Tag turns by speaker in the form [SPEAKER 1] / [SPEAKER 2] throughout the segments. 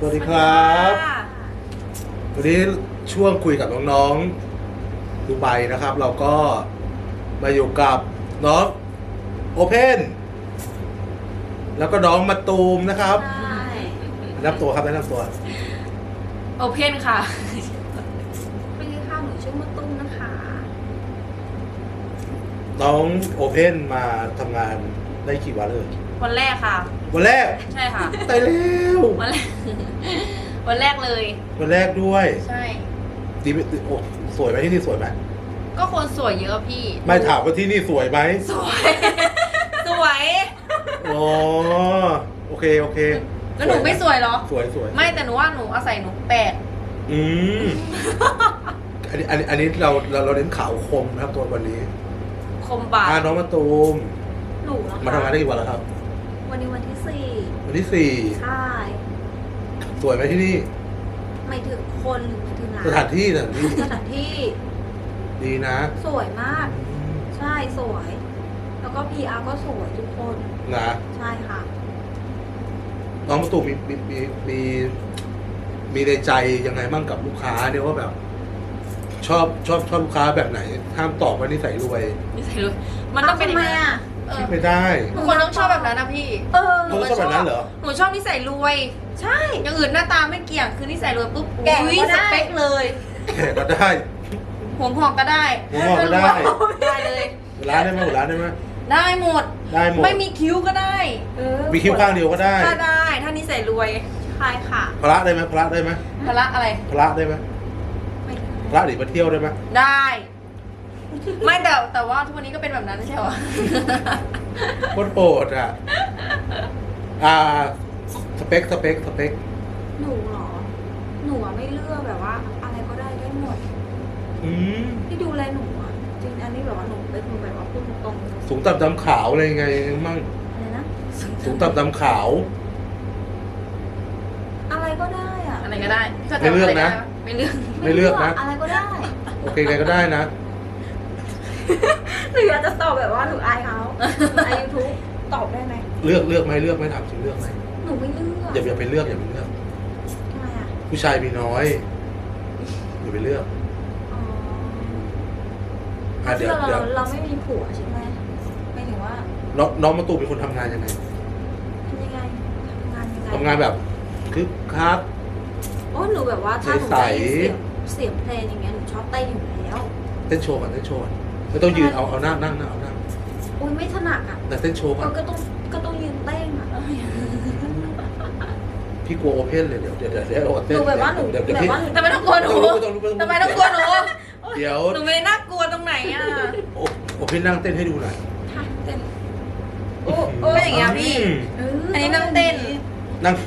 [SPEAKER 1] วัสดีครับวันนี้ช่วงคุยกับน้องๆดูไบนะครับ เราก็มาอยู่กับน้องโอเพนแล้วก็น้องมาตูมนะครับแนะนำตัวครับแนะนำตัว
[SPEAKER 2] โอเพนค่ะ
[SPEAKER 3] สวัสดีค่ะหนูชื่อมะตุ้มนะคะ
[SPEAKER 1] น้องโอเพนมาทำงานได้กี่วันเลย
[SPEAKER 2] วันแรกค่ะ
[SPEAKER 1] วันแรก
[SPEAKER 2] ใช่ค่ะ
[SPEAKER 1] ตายแล้ว
[SPEAKER 2] วันแรก วันแรกเลย
[SPEAKER 1] วันแรกด้วย
[SPEAKER 2] ใช่
[SPEAKER 1] ดีไหมโอ้สวยไหมที่นี่สวยไหม
[SPEAKER 2] ก็คนสวยเยอะพี่
[SPEAKER 1] ไม่ถามว่าที่นี่สวยไหม
[SPEAKER 2] สวย สวย
[SPEAKER 1] อ๋อโอเคโอเค
[SPEAKER 2] แล้วหนูไม่สวยเหรอ
[SPEAKER 1] สวยสวย
[SPEAKER 2] ไม่แต่หนูว่าหนูอาศัยหนูแปลก
[SPEAKER 1] อืมอันนี้เราเน้นขาวคมนะครับตัววันนี้
[SPEAKER 2] คมบาด
[SPEAKER 1] น้องมาตูม
[SPEAKER 3] หนูนะคะ
[SPEAKER 1] มาทำงานได้กี่วันแล้วครับ
[SPEAKER 3] วันนี้วันที่
[SPEAKER 1] วันที่
[SPEAKER 3] 4ใช่
[SPEAKER 1] 4สวยไหมที่นี่
[SPEAKER 3] ไม่ถึงคนหรือไม่ถึงร้าน
[SPEAKER 1] สถานที่สถานที่
[SPEAKER 3] สถานที่
[SPEAKER 1] ดีนะ
[SPEAKER 3] สวยมาก
[SPEAKER 1] อืม
[SPEAKER 3] ใช่สวย แล้วก็ PR ก็สวยทุกคน
[SPEAKER 1] นะ
[SPEAKER 3] ใช่ค่ะ
[SPEAKER 1] น้องมาตูมมีในใจยังไงบ้างกับลูกค้าเนี่ยว่าแบบ ชอบลูกค้าแบบไหนห้ามตอบว่านิสัยรวย
[SPEAKER 2] นิสัยรวยมันต้องเป็น
[SPEAKER 3] ทำไมอ่ะ
[SPEAKER 2] เออ
[SPEAKER 1] ไม่ได้
[SPEAKER 2] ทุกคนต้องชอบแบบนั้นนะพี่
[SPEAKER 3] เออ
[SPEAKER 1] เขาต้องชอบแบบนั้นเหรอ
[SPEAKER 2] หนูชอบนิสัยรวย
[SPEAKER 3] ใช่
[SPEAKER 2] อย่างอื่นหน้าตาไม่เกี่ยง คือนิสัยรวยปุ๊บ
[SPEAKER 3] แก่
[SPEAKER 2] อุ๊ย
[SPEAKER 3] ก็
[SPEAKER 2] ส
[SPEAKER 3] ได้
[SPEAKER 2] เปคเลย
[SPEAKER 1] แขกก็ได้
[SPEAKER 2] หัวหอกก็ได้
[SPEAKER 1] หัวงอกก็ได้
[SPEAKER 2] ได้เลย
[SPEAKER 1] ร้านได้ไหมร้านได้ไหม
[SPEAKER 2] ได้หมด
[SPEAKER 1] ได้หมด
[SPEAKER 2] ไม่มีคิ้วก็ได้
[SPEAKER 3] เออ
[SPEAKER 1] มีคิ้วข้างเดียวก็ได้
[SPEAKER 2] ถ้าได้ ถ้านิสัยรวย
[SPEAKER 3] ใช่ค่ะ
[SPEAKER 1] พระได้ไหมพระได้ไหม
[SPEAKER 2] พละอะไร
[SPEAKER 1] พระได้ไหม
[SPEAKER 3] ไม่ถึง
[SPEAKER 1] พระหนีมาเที่ยวได้ไหม
[SPEAKER 2] ได้ ไม่แต่ว่าทุกวันนี้ก็เป็นแบบนั้นไม่ใช่เหรอ
[SPEAKER 1] โคตรโปรดอ่ะ สเปค
[SPEAKER 3] หนูเหรอ หนูอะไม่เลือกแบบว่า อะไรก็ได้ได้หมด
[SPEAKER 1] อืม
[SPEAKER 3] ที่ดูแลหนูอ่ะจริงอันนี้แบบว่าหนูเป็นคนแบบว่าพูดตรง
[SPEAKER 1] สูงต่ำดำขาวอะไรยังไงมั่ง
[SPEAKER 3] ๆอะไรนะ
[SPEAKER 1] สูงต่ำดำขาว
[SPEAKER 3] อะไรก็ได้อ่ะ
[SPEAKER 2] อะไรก็ได้
[SPEAKER 1] ไม่เลือกนะ
[SPEAKER 2] ไม่เลือก
[SPEAKER 1] ไม่เลือกนะ
[SPEAKER 3] อะไรก็ได้
[SPEAKER 1] โอเคไงก็ได้นะ
[SPEAKER 3] หนูอยากจะตอบแบบว่าหนูอายเขาอายยูทูบตอบได้ไหม
[SPEAKER 1] เลือกไหมถามจริงเลือกไหม
[SPEAKER 3] หนูไม่เลือก
[SPEAKER 1] อย่าไปเลือก
[SPEAKER 3] ทำไมอ่ะ
[SPEAKER 1] ผู้ชายมีน้อยอย่าไปเลือก
[SPEAKER 3] อ๋อ
[SPEAKER 1] เดี๋ยว
[SPEAKER 3] เราไม่มีผัวใช่ไหมไม่ถึงว่า
[SPEAKER 1] น้องมาตูมเป็นคนทำงานยังไง
[SPEAKER 3] ทำยังไงทำงานยังไง
[SPEAKER 1] ทำงานแบบคึกคัก
[SPEAKER 3] โอ้หนูแบบว่าถ้าหนู
[SPEAKER 1] ใส
[SPEAKER 3] ได้
[SPEAKER 1] ๆ
[SPEAKER 3] ยินเสียงเพลงอย่างเงี้ยหนูชอบเต้นอยู่แล้ว
[SPEAKER 1] เต้นโชว์ก่อนไม่ต้องยืนเอานั่งเอานั่ง
[SPEAKER 3] อุ้ยไม่ถนัดอ่ะ
[SPEAKER 1] แต่เต้นโชว์ก่อน
[SPEAKER 3] ก็ต้องยืนเต้นอ่ะ
[SPEAKER 1] พี่กลัวโอเพนเลยเดี๋ยว
[SPEAKER 3] ห
[SPEAKER 1] เต้
[SPEAKER 3] นู
[SPEAKER 1] น
[SPEAKER 3] แบบว่าหนู
[SPEAKER 1] เดี๋ยว
[SPEAKER 3] แบบ
[SPEAKER 1] พี่
[SPEAKER 3] ว่าหนู
[SPEAKER 2] ทำไมต้องกลัวหนู ทำไมต้องกลัวหนู
[SPEAKER 1] เดี๋ยว
[SPEAKER 2] หนูไม่น่ากลัวตรงไหนอ่ะ
[SPEAKER 1] โอเพนนั่งเต้นให้ดูหน่อย
[SPEAKER 3] ทำเต้น
[SPEAKER 2] โอ้ไม่อย่างเงี้ยพี่ อันนี้นั่งเต้น
[SPEAKER 1] นั่ง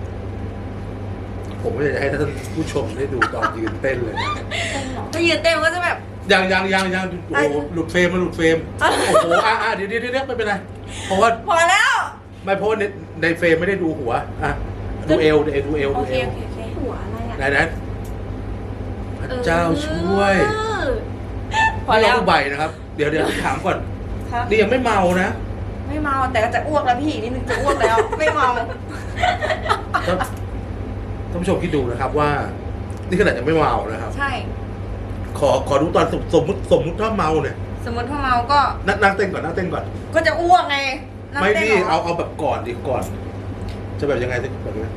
[SPEAKER 1] ผมไม่อยากจะให้ท่านผู้ชมได้ดูตอนยืนเต้นเลยนะ
[SPEAKER 3] เต้นเหรอ
[SPEAKER 2] ถ้ายืนเต้นมันก็จะแบบ
[SPEAKER 1] ยังโอ้โหหลุดเฟรมโอ้โหเดี๋ยวไม่เป็นไรเพราะว่า
[SPEAKER 2] พอแล้ว
[SPEAKER 1] ไม่เพราะว่าในเฟรมไม่ได้ดูหัวดูเอว
[SPEAKER 2] โอเคโอเคโอเค
[SPEAKER 3] หัวอะไรอ่ะ
[SPEAKER 1] ไหนพระเจ้าช่วย
[SPEAKER 2] พอแล้ว
[SPEAKER 1] นี่เราดูใบนะครับ เดี๋ยวถามก่อน
[SPEAKER 2] ครับ
[SPEAKER 1] นี่ยังไม่เมานะ
[SPEAKER 2] ไม่เมาแต่ก็จะอ้วกแล้วพี่นิดนึงจะอ้วกแล้ว ไม่เมา
[SPEAKER 1] ท่านผู้ชมคิดดูนะครับว่า นี่ขนาดยังไม่เมานะครับ
[SPEAKER 2] ใช่
[SPEAKER 1] ขอดูตอนสมมุติถ้าเมาเนี่ย
[SPEAKER 2] สมมติถ้าเมาก็
[SPEAKER 1] นั่งเต้นก่อน
[SPEAKER 2] ก็จะอ้วกไงนั่ง
[SPEAKER 1] ไม่
[SPEAKER 2] เต้น
[SPEAKER 1] พี่
[SPEAKER 2] หร
[SPEAKER 1] เอาแบบก่อนดิก่อน จะแบบยังไงแบบนี้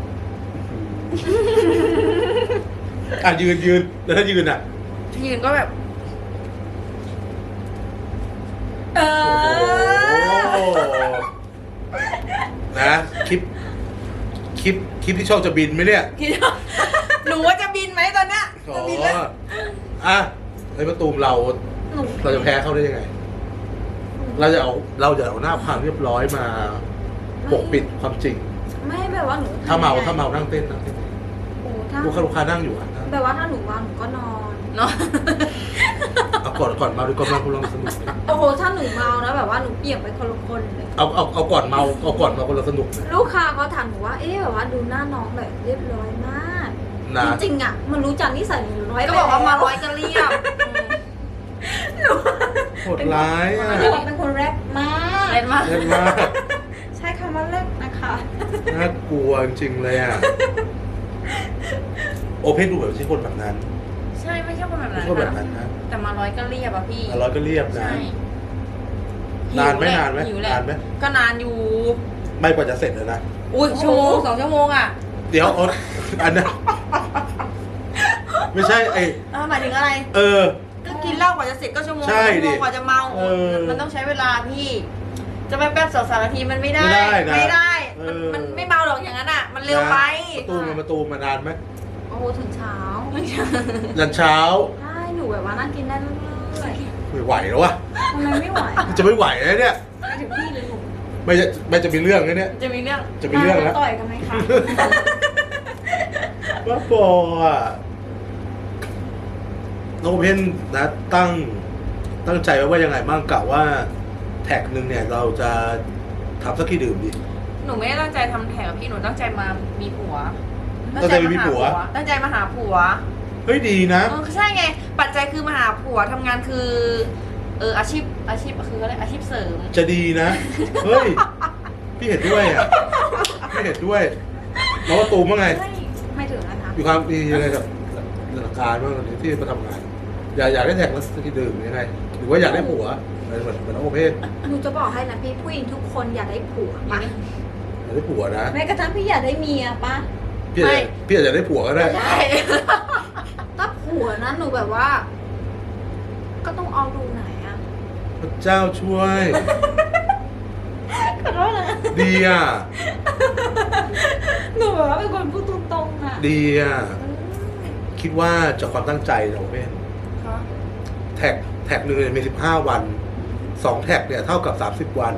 [SPEAKER 1] ยืนแล้วถ้ายืนอ่ะ
[SPEAKER 2] ยืนก็แบบ เอ
[SPEAKER 1] โอ้โหนะคลิปที่ช่องจะบินไหมเนี่ย
[SPEAKER 2] คิดว่าหนูว่าจะบินไหมตอนเนี้ย
[SPEAKER 1] อ๋อ
[SPEAKER 2] จะบินแล้ว
[SPEAKER 1] ไอ้ประตูมเรา
[SPEAKER 3] หนู
[SPEAKER 1] จะแพ้เขาได้ยังไง เราจะเอาหน้าความเรียบร้อยมาปกปิดความจริง
[SPEAKER 3] ไม่แบบว่าหนู
[SPEAKER 1] ถ้าเมานั่งเต้น
[SPEAKER 3] โอ้ถ้า
[SPEAKER 1] ลูกค้านั่งอยู่อ่ะ
[SPEAKER 3] แบบว่าถ้าหนูเมาหนูก็นอน
[SPEAKER 2] เนาะ
[SPEAKER 1] เอาก่อนเมาดีกว่ามาคุณลองสนุกเลย
[SPEAKER 3] โอ้โหถ้าหนูเมานะแบบว่าหนูเปลี่ยนไปคนละคนเลย
[SPEAKER 1] เอาก่อนเมาคนละสนุกเลย
[SPEAKER 3] ลูกค้าเขาถามหนูว่าเอ๊ะแบบว่าดูหน้าน้องแบบเรียบร้อยมาก
[SPEAKER 1] นะ
[SPEAKER 3] จริงๆอ่ะมันรู้จักนิสัยหนูร้อย
[SPEAKER 2] ก็บอกว่ามาร้อยก็เรียบ
[SPEAKER 1] โหดร้ายอ่ะ
[SPEAKER 3] หนูเป็นคนแรปมาก
[SPEAKER 2] เล่นมาก
[SPEAKER 1] เล่นมาก
[SPEAKER 3] ใช้คำว่าแรปนะคะ
[SPEAKER 1] น่ากลัวจริงๆเลยอ่ะโอเพนดูแบบไม่ใช่คนแบบนั้น
[SPEAKER 2] ใช่ไม่ใช่คนแบบ
[SPEAKER 1] ไม่
[SPEAKER 2] นั้น
[SPEAKER 1] ใช่คนแบบนั้นนะ
[SPEAKER 2] แต่มาร้อยก็เรียบอะพี่
[SPEAKER 1] อร่อยก็เรียบนะ
[SPEAKER 2] ใช่
[SPEAKER 1] นานไหม
[SPEAKER 2] หิวแหละ
[SPEAKER 1] นานไหม
[SPEAKER 2] หิวแหละ
[SPEAKER 1] นานไหม
[SPEAKER 2] ก็นานอยู่
[SPEAKER 1] ไม่กว่าจะเสร็จเลยนะ
[SPEAKER 2] อุ้ยชั่วโมง2 ชั่วโมงอะ
[SPEAKER 1] เดี๋ยวเอาอันนั้นไม่ใช่ไอ
[SPEAKER 2] หมายถึงอะไร
[SPEAKER 1] เออ
[SPEAKER 2] ก็กินเหล้ากว่าจะเสร็จก็ชั่วโมง
[SPEAKER 1] ใช่
[SPEAKER 2] ชั่วโม
[SPEAKER 1] ดิ
[SPEAKER 2] งกว่าจะเมา
[SPEAKER 1] เออ
[SPEAKER 2] มันต้องใช้เวลาพี่ จะไปแป๊บ2-3 นาทีมันไม่ได้
[SPEAKER 1] ไม่ได้นะ
[SPEAKER 2] ไม่ได้
[SPEAKER 1] เอ
[SPEAKER 2] มัน
[SPEAKER 1] อ
[SPEAKER 2] มันไม่เมาหรอกอย่างนั้นอะมันเร็วไป
[SPEAKER 1] ประตูมานานไหม
[SPEAKER 3] โอ้โหถึงเช้า
[SPEAKER 1] ยันเช้า
[SPEAKER 3] ใช่หนูแบบว่านั่งกินได้เรื่อย
[SPEAKER 1] ไม่ไหวแล้ววะ
[SPEAKER 3] ๆทำไมไม่ไหว
[SPEAKER 1] จะไม่ไหวแล้วเนี่ย
[SPEAKER 3] ไปถึงพี่เลยหนู
[SPEAKER 1] ไม่จะมีเรื่องแล้วเนี่ย
[SPEAKER 2] จะมีเรื่อง
[SPEAKER 1] จะมีเรื่องแล้ว
[SPEAKER 3] ต่อยกันไหมคะ
[SPEAKER 1] ว่าบออ่ะน้องโอเพนนะตั้งใจไว้ว่ายังไงบ้างกะว่าแท็กหนึ่งเนี่ยเราจะทำสักกี่ดื่มดี
[SPEAKER 2] หนูไม่ได้ตั้งใจทำแถวพี่หนูตั้งใจมามีผัว
[SPEAKER 1] ตั้งใจมีผัว
[SPEAKER 2] ตั้งใจมาหาผัว
[SPEAKER 1] เฮ้ยดีนะ
[SPEAKER 2] ใช่ไง ปัจจัยคือมาหาผัวทำงานคืออาชีพคืออะไรอาชีพเสริม
[SPEAKER 1] จะดีนะ เฮ้ย พี่เห็นด้วยอ่ะ พี่เห็นด้วยน้องว่าตูมว่าไง
[SPEAKER 3] ไม่ถึงนะคะ
[SPEAKER 1] มีความดียังไงกับหลักการบ้างที่มาทำงาน อยากได้แท็กแล้วสักกี่ดื่มยังไง หรือว่าอยากได้ผัวเหมือนน้องโอเพน
[SPEAKER 3] หนูจะบอกให้นะพี่ผู้หญิงทุกคนอยากได้ผัวปะ
[SPEAKER 1] อยากได้ผัวนะ
[SPEAKER 3] แม้กระทั่งพี่อยากได้เมียปะ
[SPEAKER 1] พี่อาจจะได้ผัวก็ได้
[SPEAKER 2] ใช่
[SPEAKER 3] ถ้าผัวนะหนูแบบว่า ก็ต้องเอาดูไหนอะ
[SPEAKER 1] พระเจ้าช่วย
[SPEAKER 3] ขอโทษนะ
[SPEAKER 1] ดีอ่ะ
[SPEAKER 3] หนูแบบว่าเป็นคนพูดตรงๆอะ
[SPEAKER 1] ดีอ่ะ คิดว่าจากความตั้งใจน้องโอเพนแท็กหนึ่งเนี่ยมี15 วัน2แท็กเนี่ยเท่ากับ30 วัน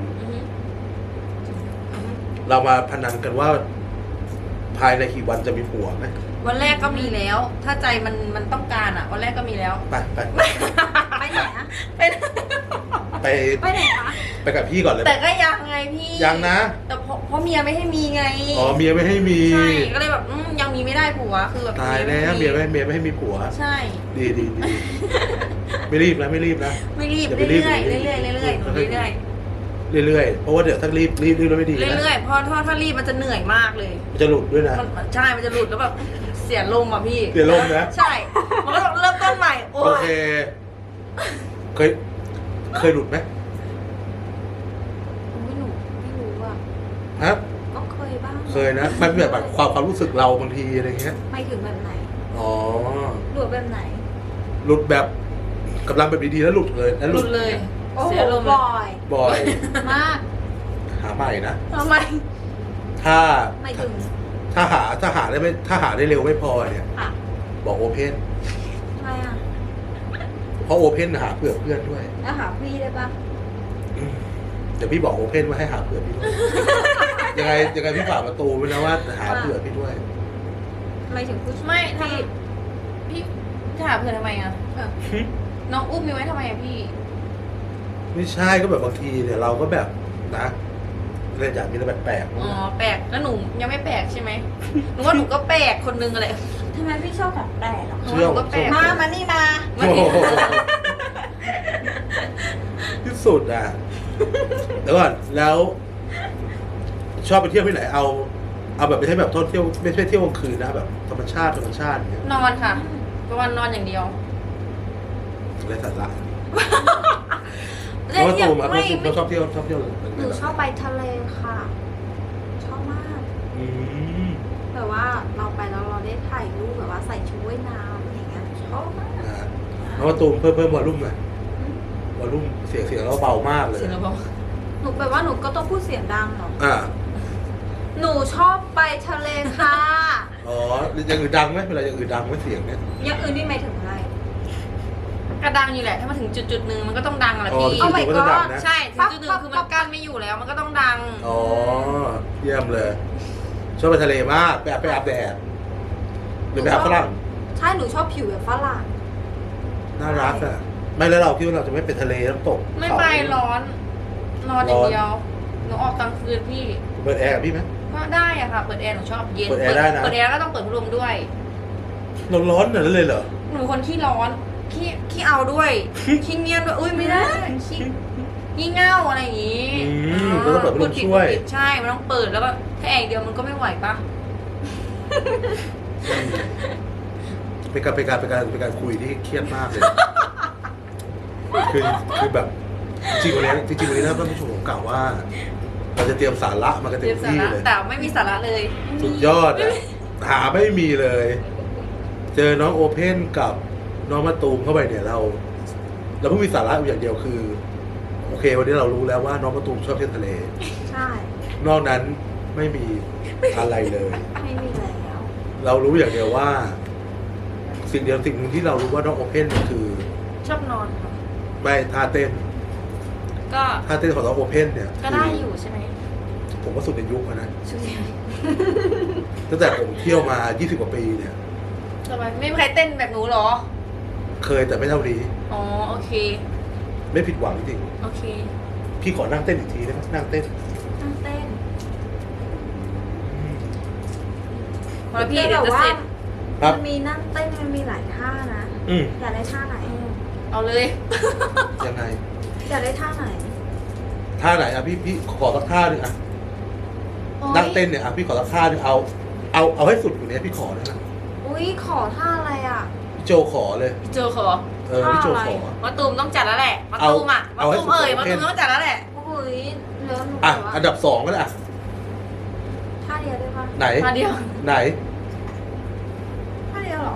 [SPEAKER 1] เรามาพนันกันว่าภายในกี่วันจะมีผัวไหม
[SPEAKER 2] วันแรกก็มีแล้ว ถ้าใจมันต้องการอ่ะ วันแรกก็มีแล้ว
[SPEAKER 1] ไป
[SPEAKER 3] ไปไหนอะ
[SPEAKER 2] เป็น
[SPEAKER 1] ไป
[SPEAKER 3] ไปไหนคะ
[SPEAKER 1] ไปกับพี่ก่อนเลย
[SPEAKER 2] แต่ก็ยังไงพี่
[SPEAKER 1] ยังนะ
[SPEAKER 2] แต่เพราะเมียไม่ให้มีไง
[SPEAKER 1] อ๋อเมียไม่ให้มี
[SPEAKER 2] ใช่ก็เลยแบบยังมีไม่ได้ผัวคือแบบ
[SPEAKER 1] ตายแล้วเมียไม่ให้มีผัว
[SPEAKER 2] ใช่
[SPEAKER 1] ดีไม่รีบนะไม่รีบนะ
[SPEAKER 2] ไม่รีบ
[SPEAKER 1] อย่าไป
[SPEAKER 2] เรื่
[SPEAKER 1] รี
[SPEAKER 2] อบ ยๆเรื่อยๆเรื่อยๆหนูเรื่อย
[SPEAKER 1] เรื่อยๆเพราะว่าเดี๋ยวถ้ารีบแล้วไม่ดี
[SPEAKER 2] ๆ
[SPEAKER 1] นะ
[SPEAKER 2] เรื่อยๆเพราะถ้ารีบมันจะเหนื่อยมากเลย
[SPEAKER 1] มันจะหลุดด้วยนะ
[SPEAKER 2] ใช่มันจะหลุดแล้วแบบเสียลมอ่ะพี่
[SPEAKER 1] เสียลมนะ
[SPEAKER 2] ใช่ มันก็ต้องเริ่มต้นใหม่โอ้
[SPEAKER 1] โอย เคเคยหลุดไหม
[SPEAKER 3] ไม่หนูไม่รู้อะ
[SPEAKER 1] ฮะ
[SPEAKER 3] ก็เคยบ้าง
[SPEAKER 1] เคยนะมันแบบความรู้สึกเราบางทีอะไรเงี้ย
[SPEAKER 3] ไม่ถึงแบบไหน
[SPEAKER 1] อ๋อ
[SPEAKER 3] หนูแบบไหน
[SPEAKER 1] หลุดแบบกำลังแบบดีๆแล้วหลุดเลยแล้ว
[SPEAKER 2] หลุดเลย
[SPEAKER 3] โอ้โห
[SPEAKER 2] เสียลมเลย
[SPEAKER 3] บ่อย
[SPEAKER 1] บ่อย
[SPEAKER 3] มาก
[SPEAKER 1] หาใหม่นะ
[SPEAKER 2] ทำไม
[SPEAKER 1] ถ้า
[SPEAKER 3] ไม่ถึง
[SPEAKER 1] ถ้าหาได้เร็วไม่พอเนี่ย
[SPEAKER 3] อ่ะ
[SPEAKER 1] บอกโอเพน
[SPEAKER 3] ทำไมอ่ะ
[SPEAKER 1] เพราะโอเพนหาเผื่อเพื่อนด้วย
[SPEAKER 3] แล้วหาพี่ได้ปะ
[SPEAKER 1] เดี๋ยวพี่บอกโอเพนว่าให้หาเผื่อพี่ด้วย ยังไงพี่ฝากประตูไว้นะว่าหาเผื่อพี่ด้วย
[SPEAKER 3] ไม่ถึงผู้ชาย
[SPEAKER 2] ไม่ทำพี่จะหาเพื่อนทำไมอ่ะน้องอุ้มมีไว้ทำไมอ่ะพี่
[SPEAKER 1] ไม่ใช่ก็แบบบางทีเนี่ยเราก็แบบนะเรื่องอย่างนี้แล้วแปลกๆ
[SPEAKER 2] อ๋อแปลกแล้วหนูยังไม่แปลกใช่ไหมหนูว่าหนูก็แปลกคนนึงอะไร
[SPEAKER 3] ทำไมพี่ชอบแบบแปลกเหรอ
[SPEAKER 1] เชื่อ
[SPEAKER 2] หนูก็แปลก
[SPEAKER 3] มานี่มา
[SPEAKER 1] โอ้โหที่สุดอ่ะเดี๋ยวก่อนแล้ว ชอบไปเที่ยวที่ไหนเอาแบบไม่ใช่แบบท่องเที่ยวไม่ใช่เที่ยวกลางคืนนะแบบธรรมชาติอย่างเงี้ย
[SPEAKER 2] นอนค่ะประมาณนอนอย่างเดียว
[SPEAKER 1] อะไรสาระ
[SPEAKER 2] เล่น
[SPEAKER 1] เพราะว่า
[SPEAKER 2] เที่ยว
[SPEAKER 1] ตูมอะ
[SPEAKER 2] ไม่
[SPEAKER 1] เราชอบเที่ยว
[SPEAKER 3] หนูชอบไปทะเลค่ะ ชอบมาก
[SPEAKER 1] อืม
[SPEAKER 3] แบบว่าเราไปแล้วเราได้ถ่ายรูปแบบว่าใส่ชุดว่ายน้ำอย่างเงี้ยชอบมาก
[SPEAKER 1] นะแล้วว่าตูมเพิ่มวอลลุ่มหน่อยวอลลุ่มเสียงเราเบามากเลย
[SPEAKER 2] เสียงเราบอก
[SPEAKER 3] หนูแบบว่าหนูก็ต้องพูดเสียงดังเหรอ
[SPEAKER 1] อ่า
[SPEAKER 3] หนูชอบไปทะเลค่ะ
[SPEAKER 1] อ๋ออย่างอื่นดังไหมเวลาอย่างอื่นดังไหมเสียงเนี่ย
[SPEAKER 3] อย่างอื่นนี่หมายถึงอะไร
[SPEAKER 2] กระดังอยู่แหละถ้ามาถึงจุดๆหนึ่งมันก็ต้องดังแหละ
[SPEAKER 1] อ๋อ
[SPEAKER 2] พี่
[SPEAKER 3] Oh my
[SPEAKER 1] ก็จะดังนะ
[SPEAKER 2] ใช่ถึงจุดหนึ่งคือมันกั้นไม่อยู่แล้ว มันก็ต้องดัง
[SPEAKER 1] อ๋อเยี่ยมเลย ชอบไปทะเลมากไปอาบแดดหรือไปอาบฝรั่ง
[SPEAKER 3] ใช่หนูชอบผิวแบบฝรั่ง
[SPEAKER 1] น่ารักอ่ะไม่แล้วเราคิดว่าเราจะไม่ไปทะเลน้ำตก
[SPEAKER 2] ไม่ไปร้อน นอนอย่างเดียวหนูออกกลางคืนพี่
[SPEAKER 1] เปิดแอร์กับพี่ไหม
[SPEAKER 2] ก็ได้อะค่ะ เปิดแอร์หนูชอบเย็น
[SPEAKER 1] เปิดแอร์ได้นะ
[SPEAKER 2] เปิดแอร์ก็ต้องเปิดพัดลมด้วย
[SPEAKER 1] เราร้อนขนาดนั้นเลยเหรอ
[SPEAKER 2] หนูเป็นคนขี้ร้อนขี้เอาด้วยขี้เงียบด้วยอุ้ยไม่ได้ขี้งี่เง่าอะไรอย่างงี้
[SPEAKER 1] เราต้องเปิดพัดลมช่วย
[SPEAKER 2] ใช่มันต้องเปิดแล้วก็ถ้าแอร์เดียวมันก็ไม่ไหวปะ
[SPEAKER 1] เป็นการคุยที่เครียดมากเลย คือแบบจริงๆวันนี้นะท่านผู้ชมผมกล่าวว่า เราจะเตรียมสาระมากัน
[SPEAKER 2] เต
[SPEAKER 1] เต็
[SPEAKER 2] รีย
[SPEAKER 1] ม
[SPEAKER 2] มสา
[SPEAKER 1] ที่
[SPEAKER 2] ระ
[SPEAKER 1] เลย
[SPEAKER 2] แต่ไม่มีสาระเลย
[SPEAKER 1] สุดยอดอะหาไม่มีเลย เจอน้องโอเพ่นกับน้องมะตูมเข้าไปเนี่ยเราเพิ่งมีสาระอยู่อย่างเดียวคือ โอเค วันนี้เรารู้แล้วว่าน้องมะตูมชอบเที่ยวทะเล
[SPEAKER 3] ใช่
[SPEAKER 1] นอกนั้นไม่มีอะไรเลย
[SPEAKER 3] ไม่มีแล้ว
[SPEAKER 1] เรารู้อย่างเดียวว่า สิ่งหนึ่งที่เรารู้ว่าน้องโอเพ่นเนี่ยคือ
[SPEAKER 2] ชอบนอนค่ะ
[SPEAKER 1] ไม่ท่าเต้น
[SPEAKER 2] ก็
[SPEAKER 1] ท่าเต้นของน้องโอเพ่นเนี่ย
[SPEAKER 2] ก็ได้อยู่ใช่ไหม
[SPEAKER 1] ผมว่าสุดในยุคแล้วนะ
[SPEAKER 2] ช่วย
[SPEAKER 1] ตั้งแต่ผมเที่ยวมา 20 กว่าปีเนี่ย
[SPEAKER 2] ทำไมไม่มีใครเต้นแบบหนูเหรอ
[SPEAKER 1] เคยแต่ไม่เท่านี้
[SPEAKER 2] อ๋อโอเค
[SPEAKER 1] ไม่ผิดหวังจริง
[SPEAKER 2] โอเค
[SPEAKER 1] พี่ขอนั่งเต้นอีกทีได้ไหมนั่งเต้น
[SPEAKER 3] นั่งเต้น
[SPEAKER 2] พอพี่เดี๋ยวจะเสร็จ
[SPEAKER 1] ครับ
[SPEAKER 3] มันมีนั่งเต้นมันมีหลายท่านะ
[SPEAKER 1] อืม
[SPEAKER 3] อยากได้ท่าไหน
[SPEAKER 2] เอาเลย
[SPEAKER 1] ยังไง
[SPEAKER 3] อยากได้ท่าไหน
[SPEAKER 1] ท่าไหนอ่ะพี่ขอสักท่าหนึ่งอ่ะนั่งเต้นเนี่ยอ่ะพี่ขอสักท่าหนึ่งเอาให้สุดอยู่เนี้ยพี่ขอนะ
[SPEAKER 3] อุ้ยขอท่าอะไรอ่ะ
[SPEAKER 1] พี่โจขอเลย
[SPEAKER 2] พี่โจขอ
[SPEAKER 1] พี่โจขอ
[SPEAKER 3] ท่าอะไร
[SPEAKER 2] มาตูมต้องจัดแล้วแหละมาตูมอ่ะมา
[SPEAKER 1] เอาให้
[SPEAKER 2] ตูม
[SPEAKER 1] สุด
[SPEAKER 2] มาตูมต้องจัดแล้วแหละ
[SPEAKER 3] อุ้ยแล้วหนู
[SPEAKER 1] อ่ะ
[SPEAKER 3] แบบว่า
[SPEAKER 1] อันดับ 2ก็ได้อ่ะ
[SPEAKER 3] ท่าเดียวได้ปะ
[SPEAKER 1] ไหน
[SPEAKER 2] มาเดียว
[SPEAKER 1] ไหน
[SPEAKER 3] ท่าเดียวเหรอ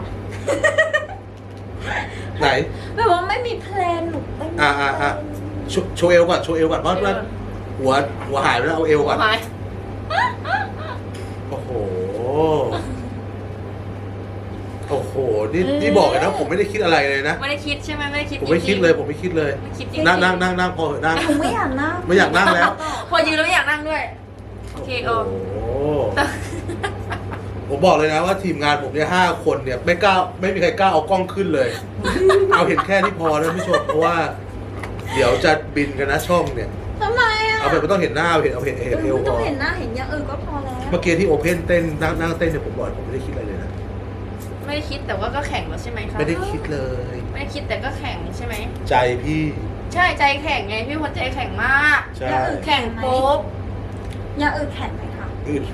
[SPEAKER 1] ไหน
[SPEAKER 3] แบบว่าไม่มีเพลนหนูเต้น
[SPEAKER 1] อ่ะ โชว์เอวก่อนเพราะว่าหัวหายไปแล้วเอาเอวก่อน
[SPEAKER 2] ไป
[SPEAKER 1] โอ้โห โอ้โห นี่บอกเลยนะ ผมไม่ได้คิดอะไรเลยนะ
[SPEAKER 2] ไม่ได้คิดใช่ไหมไม่ได้คิด
[SPEAKER 1] ผมไม่คิดเลย ผมไม่คิดเลย
[SPEAKER 2] ไม่คิดจริง
[SPEAKER 1] นั่งพอเหอะนั่ง
[SPEAKER 3] หนูไม่อยากนั่ง
[SPEAKER 1] ไม่อยากนั่งแล้ว
[SPEAKER 2] พอยืนแล้วไม่อยากนั่งด้วย โอเคเออ
[SPEAKER 1] โอ้โห ผมบอกเลยนะว่าทีมงานผมเนี่ย5 คนเนี่ยไม่มีใครกล้าเอากล้องขึ้นเลย เอาเห็นแค่นี้พอนะท่านผู้ชม เพราะว่า เดี๋ยวจะบินกันนะช่องเนี่ย
[SPEAKER 3] ทำไมอ่ะ
[SPEAKER 1] เอาแบบไม่ต้องเห็นหน้าเอาเห็นเอว
[SPEAKER 3] ไม่
[SPEAKER 1] พ
[SPEAKER 3] ต้อ
[SPEAKER 1] อง
[SPEAKER 3] เห็นหน้าเห็นอย่างอื่นก็พอแล้ว
[SPEAKER 1] เมื่อกี้ที่โอเพ่นเต้นนั่งเต้นเนี่ยผมบอกเลยผมไม่ได้คิดอะไรเลยนะ
[SPEAKER 2] ไม่ได้คิดแต่ว่าก็แข่งแล้วใช่ไหมคะ
[SPEAKER 1] ไม่ได้คิดเลย
[SPEAKER 2] ไม่ได้คิดแต่ก็แข่งใช่ไหม
[SPEAKER 1] ใจพี่
[SPEAKER 2] ใช่ใจแข่งไงพี่พลใจแข่งมาก
[SPEAKER 1] ใช่
[SPEAKER 2] แข่งโป๊บ
[SPEAKER 3] อย่างอื่นแข็งไหมคะ
[SPEAKER 1] อื่น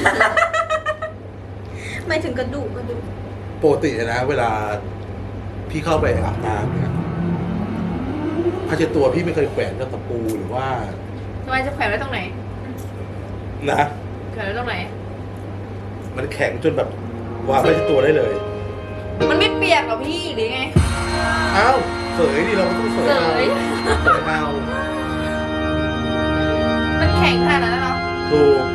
[SPEAKER 3] ไม่ถึงกระดูก
[SPEAKER 1] ปกตินะ เวลาพี่เข้าไปอาบน้ำเนี่ยผ้าเช็ดตัวพี่ไม่เคยแขวนกับตะปูหรือว่า
[SPEAKER 2] ทำไมจะแขวนไว้ตรงไหน
[SPEAKER 1] นะ
[SPEAKER 2] แขวนไว้ตรงไหน
[SPEAKER 1] มันแข็งจนแบบวางผ้าเช็ดตัวได้เลย
[SPEAKER 2] มันไม่เปียกหรอพี่หรือไง
[SPEAKER 1] อ้าวเสยดิเราก็ต้องเสย
[SPEAKER 2] เสย
[SPEAKER 1] เสยเอา
[SPEAKER 2] มันแข็งขนาดนั้นแล้วเนาะ
[SPEAKER 1] ถูก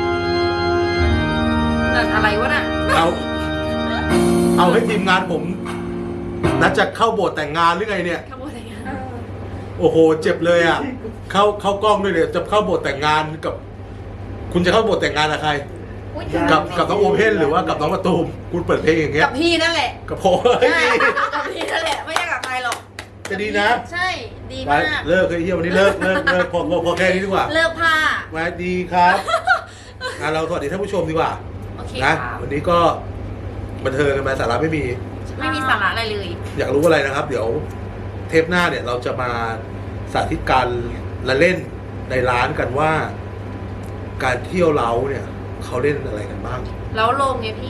[SPEAKER 2] แต่อะไรวะน่ะ
[SPEAKER 1] เอาให้ทีมงานผมนัดจะเข้าโบสถ์แต่งงานหรือไงเนี่ย
[SPEAKER 2] ขบวนอะไรกัน
[SPEAKER 1] โอ้โห เจ็บเลยอ่ะ เข้ากล้องด้วยเนี่ยจะเข้าโบสถ์แต่งงานกับ คุณจะเข้าโบสถ์แต่งงานกับใคร
[SPEAKER 3] อุ๊ย
[SPEAKER 1] กับน้องโอเพ่นหรือว่ากับน้องมะตูมคุณเปิดเพลงอย่างเงี้ย
[SPEAKER 2] กับพี่นั่นแหละ
[SPEAKER 1] กับผมเฮ้ย
[SPEAKER 2] ใช่
[SPEAKER 1] ดี
[SPEAKER 2] กับพี่นั่นแหละไม่ใช่กับใครหรอก
[SPEAKER 1] จะดีนะ
[SPEAKER 2] ใช่ดี
[SPEAKER 1] ไป
[SPEAKER 2] มาก
[SPEAKER 1] เลิกเลยเฮียวันนี้เลิกพอแค่นี้ดีกว่า
[SPEAKER 2] เลิกผ้า
[SPEAKER 1] มาดีครับเราสวัสดีท่านผู้ชมดีกว่า
[SPEAKER 2] โอเค
[SPEAKER 1] นะครับ วันนี้ก็บันเทิงกันมาสาระไม่มี
[SPEAKER 2] ไม่มีสาระอะไรเลย
[SPEAKER 1] อยากรู้อะไรนะครับ เดี๋ยวเทปหน้าเนี่ยเราจะมาสาธิตการละเล่นในร้านกันว่า การเที่ยวเล้าเนี่ยเขาเล่นอะไรกันบ้าง
[SPEAKER 2] แล้วลงไงพี่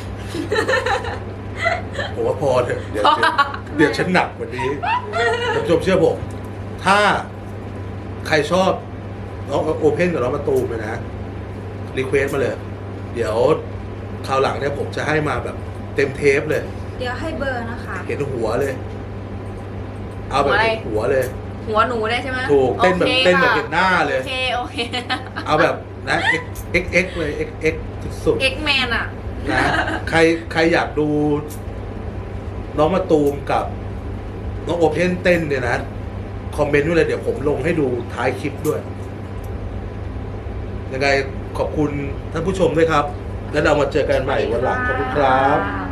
[SPEAKER 1] ผมว่าพอเถอะเดี๋ยวฉันหนักกว่านี้ท่านผู้ชมเชื่อผม ถ้าใครชอบน้องโอเพ่นกับน้องมะตูมเลยนะรีเควสมาเลย เดี๋ยวคราวหลังเนี่ยผมจะให้มาแบบเต็มเทปเลย
[SPEAKER 3] เดี๋ยวให้เบอร์นะคะ
[SPEAKER 1] เห็นหัวเลย เอาแบบ
[SPEAKER 2] หัวอะไร
[SPEAKER 1] เห็นหัวเลย
[SPEAKER 2] หัวหนูได้ใช่ไหม
[SPEAKER 1] ถูกเต้นแบบ
[SPEAKER 2] โอค
[SPEAKER 1] เต้นแบบ
[SPEAKER 2] ค่ะ
[SPEAKER 1] เห็นหน้าเลย
[SPEAKER 2] โอเคโอเค
[SPEAKER 1] เอาแบบนะ x เลย x สุด
[SPEAKER 2] เอ็กแมนอ่ะ
[SPEAKER 1] ๆนะใครอยากดูน้องมะตูมกับน้องโอเพ่นเต้นเนี่ยนะ คอมเมนต์ไว้เลยเดี๋ยวผมลงให้ดูท้ายคลิปด้วย ยังไงขอบคุณท่านผู้ชมด้วยครับ แล้วเรามาเจอกันใหม่วันหลังขอบคุณครับ